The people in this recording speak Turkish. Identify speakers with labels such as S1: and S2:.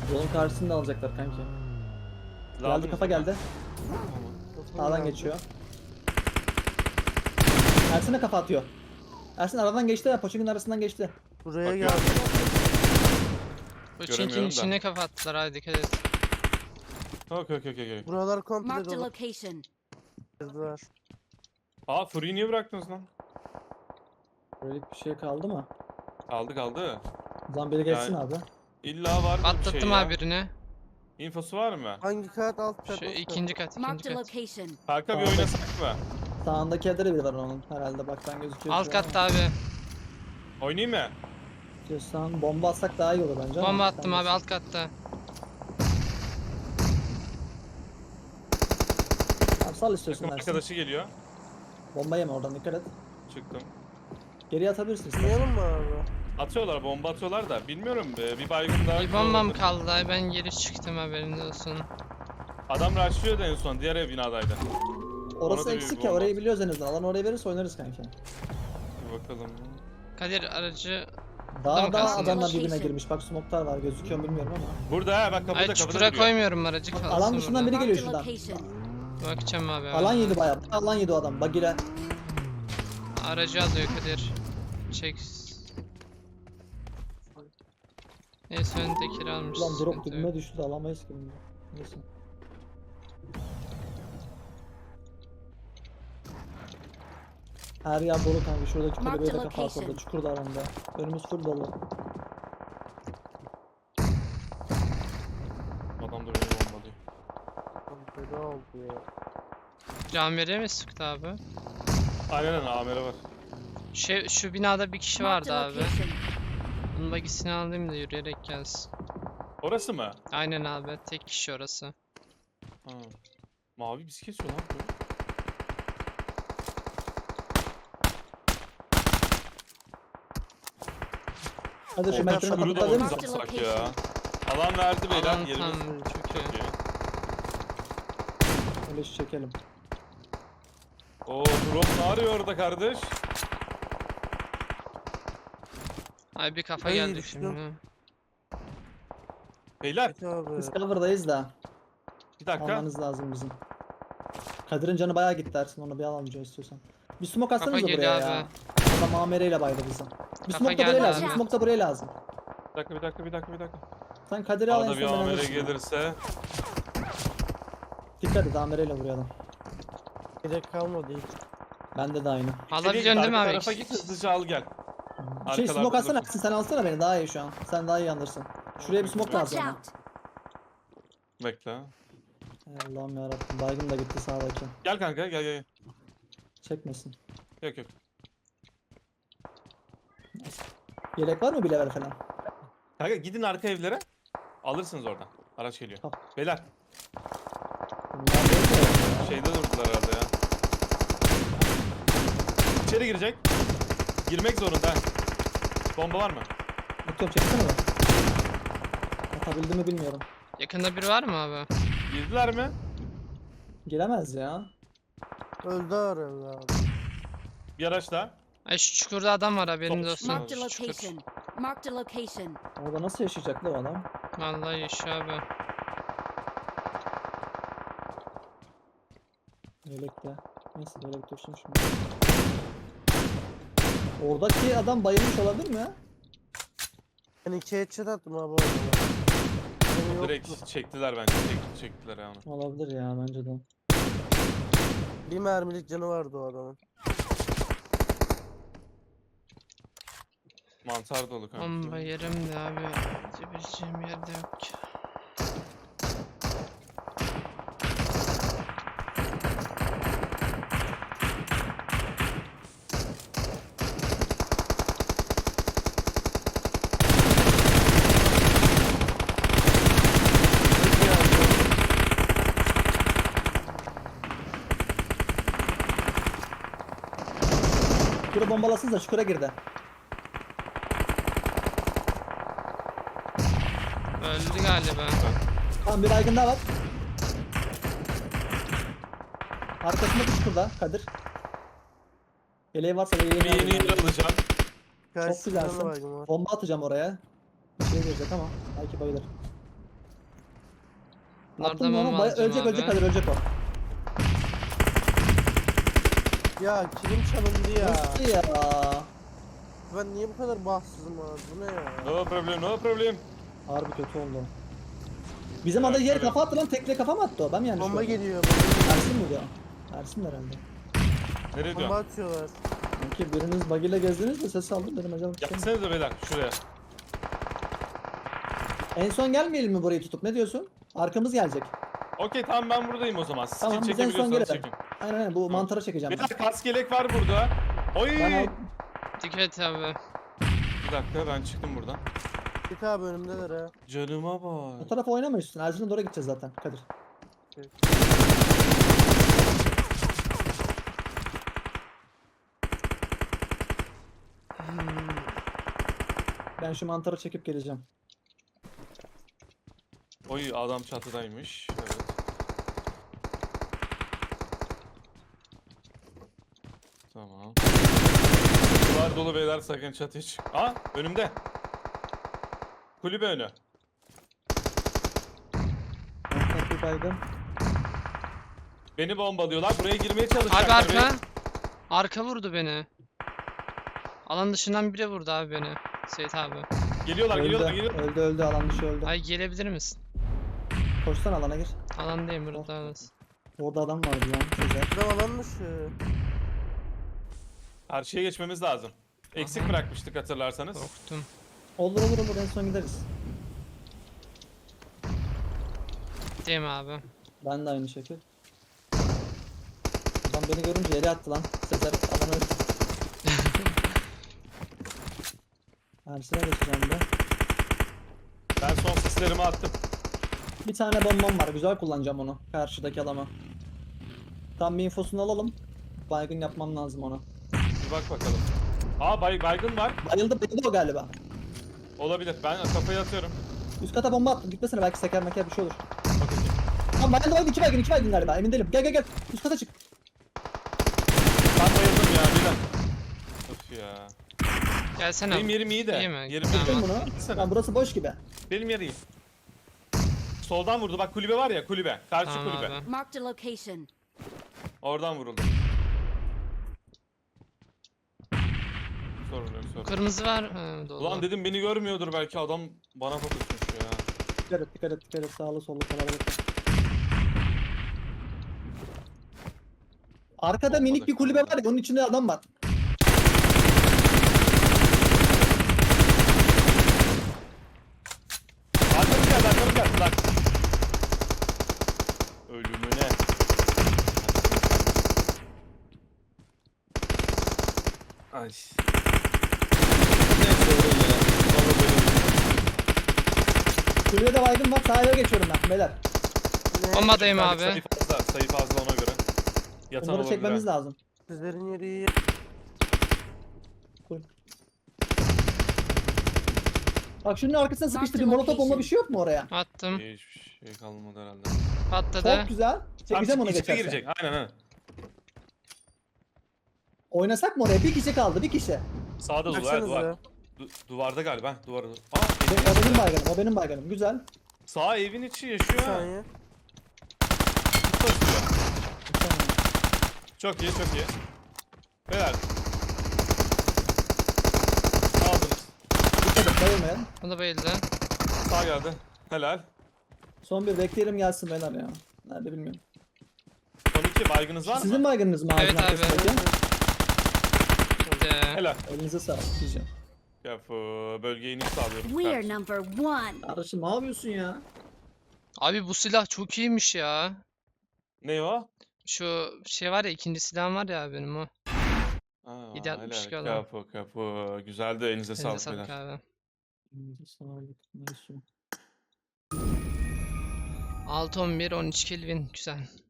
S1: Yolun karşısını da alacaklar kanki. Geldi, kafa geldi. Sağdan geçiyor. Ersin'e kafa atıyor. Ersin aradan geçti ya, Poçink'in arasından geçti.
S2: Buraya
S3: Bakıyorum.
S2: geldi.
S4: Bu
S3: Göremiyorum
S4: çinkin
S3: da.
S4: içine kafa attılar, hadi dikkat et.
S3: Okey.
S2: Buralar komple
S5: Marked a
S2: dolu.
S5: location.
S2: Kızlar.
S3: Aa Fury'yi niye bıraktınız lan?
S1: Böyle bir şey kaldı mı?
S3: Kaldı.
S1: O zaman biri geçsin
S3: Yani-
S1: abi.
S3: İlla var bir şey
S4: Atlattım
S3: ya.
S4: abi birini.
S3: İnfosu var mı?
S2: Hangi kat alt kat?
S4: Şu
S2: alt kat?
S4: ikinci kat,
S5: Marked
S4: ikinci
S5: a
S4: kat.
S5: location.
S3: Kanka bir
S1: Sağda.
S3: oynasak mı?
S1: Sağındaki evde de biri var onun herhalde, baktan gözüküyor.
S4: Alt
S1: şu an
S4: katta abi.
S3: Oynayayım mı?
S1: ama. İstiyorsan bomba atsak daha iyi olur bence ama.
S4: Bomba
S1: sen
S4: attım abi
S1: bilirsin.
S4: alt katta.
S1: Tamam, sal istiyorsun
S3: Takım
S1: Ersin.
S3: arkadaşı geliyor.
S1: Bomba yeme oradan, dikkat et.
S3: Çıktım.
S1: Geriye atabilirsin istersen.
S2: Oynayalım mı abi?
S3: Atıyorlar, bomba atıyorlar da bilmiyorum, bir baygın daha.
S4: Bir bombam kaldı, ben geri çıktım, haberiniz olsun.
S3: Adam rushlıyordu en son, diğer ev binadaydı.
S1: Orası
S3: Ona da bir
S1: eksik ya,
S3: bomba
S1: orayı
S3: at.
S1: biliyoruz en azından. Alan oraya verirse oynarız kanki.
S3: Bir bakalım.
S4: Kadir aracı...
S1: Daha
S4: Tamam, kalsın.
S1: adamlar birbirine
S5: Location.
S1: girmiş. Bak smoke'lar var, gözüküyor mu bilmiyorum ama.
S3: Burada ha, bak
S4: Ay
S3: kapıda
S4: çukura
S3: duruyor.
S4: koymuyorum aracı, kalsın
S1: Alan dışından
S4: burada.
S1: biri geliyor
S5: Marked a
S1: şuradan.
S5: location.
S4: Bakacağım abi.
S1: Alan yedi bayağı. Alan yedi o adam. Bagire.
S4: Aracı alıyor Kadir. Çek. Neyse öndekini almış.
S1: Ulan drop
S4: sıkıntı
S1: dibime
S4: yok.
S1: düştü de alamayız ki bunu. Neyse. Her yer dolu kanka. Şuradaki
S5: Mark
S1: kulübeye
S5: the
S1: de kafa at orada.
S5: location.
S1: Çukur da alanda. Önümüz full dolu.
S3: Adam da beni bombalıyor.
S2: Feda oldu ya.
S4: Camire mi sıktı abi?
S3: Aynen amele var.
S4: Şu binada bir kişi
S5: Marked
S4: vardı
S5: a
S4: abi.
S5: location.
S4: Bunun bagisini alayım da yürüyerek gelsin.
S3: Orası mı?
S4: Aynen abi, tek kişi orası.
S3: Ha. Mavi bizi kesiyor lan bu.
S1: Hadi şu
S3: Orta
S1: metrenin
S3: çukuru da
S1: kapatabilir misin?
S5: Marked
S3: ortaya
S5: location.
S3: ya. Alan verdi beyler,
S4: Alan
S3: yerimiz
S4: tam çok iyi.
S3: çok iyi.
S1: Öyle şu çekelim.
S3: Oo drop ne arıyor orada kardeş?
S4: Ay bir kafa
S2: Ay,
S4: geldi
S2: düştüm.
S4: şimdi.
S3: Beyler
S2: Evet abi.
S1: Biz cover'dayız da.
S3: bir dakika.
S1: Almanız lazım bizim. Kadir'in canı bayağı gitti Ersin, onu bir alalım istiyorsan. Bir smoke atsanıza
S4: Kafa
S1: buraya
S4: geliyor
S1: ya.
S4: abi.
S1: Adam amereyle baydı bizi. Bir
S4: Kafa
S1: smoke da buraya
S4: geldi
S1: lazım.
S4: abi.
S1: Bir smoke da buraya lazım.
S3: Bir dakika.
S1: Sen Kadir'i al, en
S3: Arada
S1: son
S3: bir
S1: ben
S3: amele
S1: alırsın.
S3: gelirse.
S1: Dikkat et, amereyle vuruyor adam.
S2: Gerek kalmadı hiç.
S1: Bende de aynı.
S4: Alabiliyorsun değil mi abi?
S3: Arka tarafa git, hızlıca al gel.
S1: Şey
S3: Arkalarda
S1: smoke atsana
S3: dursun.
S1: Ersin, sen alsana beni, daha iyi şu an. Sen daha iyi anlarsın. Şuraya bir smoke
S5: Watch
S1: lazım.
S5: out.
S3: Bekle.
S1: Ey Allah'ım yarabbim, baygın da gitti sağdaki.
S3: Gel kanka gel.
S1: Çekmesin.
S3: Yok.
S1: Yelek var mı bir level falan?
S3: Kanka gidin arka evlere. Alırsınız oradan. Araç geliyor.
S1: Tamam.
S3: Beyler
S1: Bunlar değil mi?
S3: şeyde durdular herhalde ya. İçeri girecek. Girmek zorunda. ha. Bomba var mı?
S1: Atıyorum, çeksene mi? Atabildim mi bilmiyorum.
S4: Yakında biri var mı abi?
S3: Girdiler mi?
S1: Giremez ya.
S2: Öldü arıyor abi.
S3: Bir araç daha.
S4: Ay şu çukurda adam var, haberiniz
S3: Top
S4: olsun.
S5: Marked a
S4: Çukur.
S5: location. Marked a location.
S1: Orada nasıl yaşayacak lan o adam?
S4: Vallahi yaşıyor abi.
S1: Yelekle. Neyse yelek dursun şimdi. Oradaki adam bayılmış olabilir mi?
S2: Ben 2 headshot attım abi orada. Benim yoktu.
S3: Direkt çektiler bence. Çektiler yani.
S1: Olabilir ya, bence de.
S2: Bir mermilik canı vardı o adamın.
S3: Mantar dolu kanka.
S4: Bomba yerim de abi. Gidebileceğim yerde yok ki.
S1: Çukura bombalasınız da çukura girdi.
S4: Öldü galiba.
S1: Tamam, bir baygın daha var. Arkasındaki çukurda Kadir. Yeleği varsa da
S3: Bir
S1: yeleğini
S3: yeni
S1: alayım.
S3: yer alacağım.
S2: Karşısında
S1: güzelsin.
S2: baygın var.
S1: Bomba atacağım oraya. Bir şey girecek ama belki bayılır.
S4: Bunlardan
S1: Attım onu.
S4: bomba alacağım
S1: Ölecek
S4: abi.
S1: ölecek Kadir ölecek o.
S2: Ya kilim çalındı ya.
S1: Nasıl ya?
S2: Ben niye bu kadar bahtsızım abi? Bu ne ya?
S3: No problem, no problem.
S1: Harbi kötü oldu. Bizim
S3: Evet,
S1: ada yer
S3: öyle.
S1: kafa attı lan, tekle kafa mı attı o? Ben mi yanlış
S2: Bomba
S1: gördüm?
S2: geliyor. Bomba geliyor.
S1: Ersin mi bu? Ersin herhalde.
S3: Nereye
S2: Bomba
S3: diyorsun?
S2: atıyorlar.
S1: Sanki biriniz buggy'le gezdiniz de ses aldım dedim acaba.
S3: Yapsanıza beyler şuraya.
S1: En son gelmeyelim mi burayı tutup, ne diyorsun? Arkamız gelecek.
S3: Okey tamam ben buradayım o zaman. Siz
S1: Tamam,
S3: kim
S1: biz en son
S3: çekebiliyorsanız
S1: gelelim.
S3: çekin.
S1: Aynen aynen, bu mantara çekeceğim ben.
S3: Beyler kask yelek var burada. Oy!
S1: Ben al...
S4: Dikkat et abi.
S3: Bir dakika ben çıktım buradan.
S2: Git abi önümdeler ha.
S3: Canıma
S1: O
S3: bak.
S1: tarafa oynamıyorsun. Erzin'e doğru gideceğiz zaten Kadir.
S2: Evet.
S1: Ben şu mantarı çekip geleceğim.
S3: Oy adam çatıdaymış. Evet. Tamam. Duvar dolu beyler sakın çatıya çık. Aa önümde. Kulübe önü.
S1: Mantar bir baygın.
S3: Beni bombalıyorlar. Buraya girmeye çalışacaklar.
S4: Abi arka. Arka vurdu beni. Alan dışından biri vurdu abi beni. Seyit abi.
S3: Geliyorlar,
S1: Öldü,
S3: geliyorlar, geliyorlar.
S1: öldü, alan dışı öldü.
S4: Ay gelebilir misin?
S1: Koşsana alana gir.
S4: Alandayım burada.
S1: Orada adam vardı lan. Sezer.
S2: Adam alan dışı.
S3: Karşıya geçmemiz lazım. Eksik bırakmıştık hatırlarsanız.
S4: Korktum.
S1: Olur olur olur, en son gideriz.
S4: Değil mi abi?
S1: Ben de aynı şekil. Adam beni görünce yere attı lan. Sezer alanı öldü. Ersin'e geçeceğim de.
S3: Ben son sislerimi attım.
S1: Bir tane bombam var. Güzel kullanacağım onu. Karşıdaki adama. Tam bir infosunu alalım. Baygın yapmam lazım ona.
S3: Bir bak bakalım. Aa baygın var.
S1: Bayıldı o galiba.
S3: Olabilir. Ben kafayı atıyorum.
S1: Üst kata bomba attım. Gitmesene, belki seker meker bir şey olur.
S3: Okey.
S1: Tamam bayıldı, iki baygın galiba. Emin değilim. Gel. Üst kata çık.
S3: Ben bayıldım ya bir dakika. Of ya.
S4: Gelsene.
S3: Benim yerim iyi de.
S4: İyi mi?
S3: Yerim
S4: Tamam.
S1: Tuttum
S3: iyi.
S1: bunu.
S3: Gitsene.
S1: Lan burası boş gibi.
S3: Benim yerim iyi. Soldan vurdu. Bak kulübe var ya kulübe. Karşı
S4: Tamam
S3: kulübe.
S4: abi.
S5: Marked a location.
S3: Oradan vuruldu. Sorun yok sorun.
S4: Kırmızı var. Ha, dolu.
S3: Ulan dedim beni görmüyordur belki adam bana fokusmuş ya.
S1: Dikkat et. Sağlı sollu kalabalık. Arkada minik bir kulübe var ya, onun içinde adam var.
S3: Arkamı geldi lan. Ölümüne. Ay. Neyse öyle ya. Vallahi böyle.
S1: Kulübede baygın var. Sağa geçiyorum ben beyler.
S2: Ne?
S4: Bombadayım
S3: Ben
S4: abi.
S3: sayı fazla ona göre. Yatan
S1: Bunları
S3: olabilir
S1: çekmemiz
S3: ha.
S1: lazım.
S2: Sizlerin yeri iyi.
S1: Bak şunun arkasına sıkıştı. Bir
S5: Marked
S1: molotof bomba
S5: location.
S1: bir şey yok mu oraya?
S4: Attım.
S3: Hiçbir şey kalmadı herhalde.
S4: Patladı.
S1: Çok güzel. Çekeceğim onu
S3: içeri
S1: geçerse.
S3: girecek. Aynen.
S1: Oynasak mı oraya? Bir kişi kaldı, bir kişi.
S3: Sağda duvar.
S2: Baksanıza.
S3: Duvarda galiba. Duvarda. Aa,
S1: O benim baygınım. Güzel.
S3: sağ evin içi
S2: Bir
S3: yaşıyor. ha.
S2: saniye.
S3: Basıyor. Çok iyi. Beyler. Aldınız.
S1: Dikkat et, bayılmayalım.
S4: O da bayıldı.
S3: Sağ geldi. Helal.
S1: Son bir bekleyelim gelsin beyler ya. Nerede bilmiyorum.
S3: Son iki baygınız var mı?
S1: Sizin baygınınız mı?
S4: Evet
S1: ağacın
S4: abi.
S1: arkasındaki?
S4: Bitti.
S3: Helal.
S1: Elinize sağlık diyeceğim.
S3: Ya bölgeyi niye sağlıyorum?
S5: We are number one.
S1: Kardeşim ne yapıyorsun ya?
S4: Abi bu silah çok iyiymiş ya.
S3: Ne o?
S4: Şu şey var ya, ikinci silahım var ya benim o.
S3: Aa,
S4: 7.62
S3: helal.
S4: olan.
S3: Kapı. Güzeldi. Elinize
S4: Elinize
S3: sağlık
S4: sağlık
S3: beyler.
S1: Elinize
S4: abi.
S1: sağlık. Neyse.
S4: 6-11 13 Kelvin güzel.